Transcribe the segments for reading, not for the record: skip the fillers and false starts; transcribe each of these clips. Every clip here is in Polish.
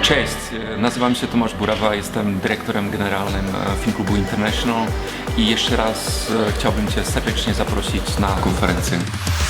Cześć, nazywam się Tomasz Burawa, jestem dyrektorem generalnym Film Klubu International i jeszcze raz chciałbym Cię serdecznie zaprosić na konferencję.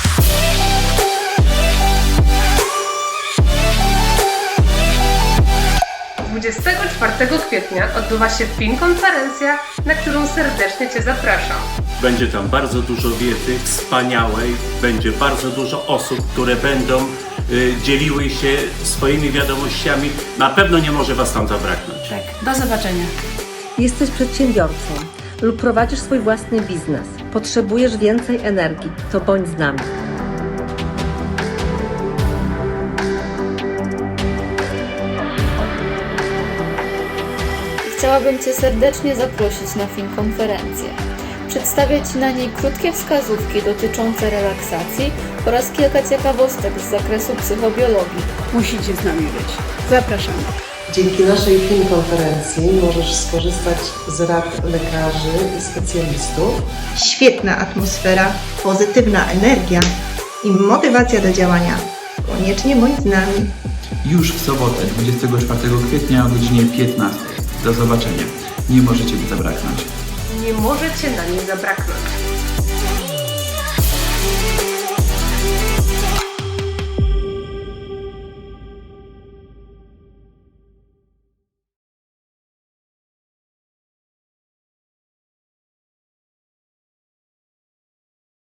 24 kwietnia odbywa się filmkonferencja, na którą serdecznie Cię zapraszam. Będzie tam bardzo dużo wiedzy wspaniałej, będzie bardzo dużo osób, które będą dzieliły się swoimi wiadomościami. Na pewno nie może Was tam zabraknąć. Tak, do zobaczenia. Jesteś przedsiębiorcą lub prowadzisz swój własny biznes. Potrzebujesz więcej energii, to bądź z nami. Chciałabym Cię serdecznie zaprosić na filmkonferencję. Przedstawię Ci na niej krótkie wskazówki dotyczące relaksacji oraz kilka ciekawostek z zakresu psychobiologii. Musicie z nami być. Zapraszamy. Dzięki naszej filmkonferencji możesz skorzystać z rad lekarzy i specjalistów. Świetna atmosfera, pozytywna energia i motywacja do działania. Koniecznie bądź z nami. Już w sobotę, 24 kwietnia o godzinie 15. Do zobaczenia. Nie możecie mi zabraknąć. Nie możecie na niej zabraknąć.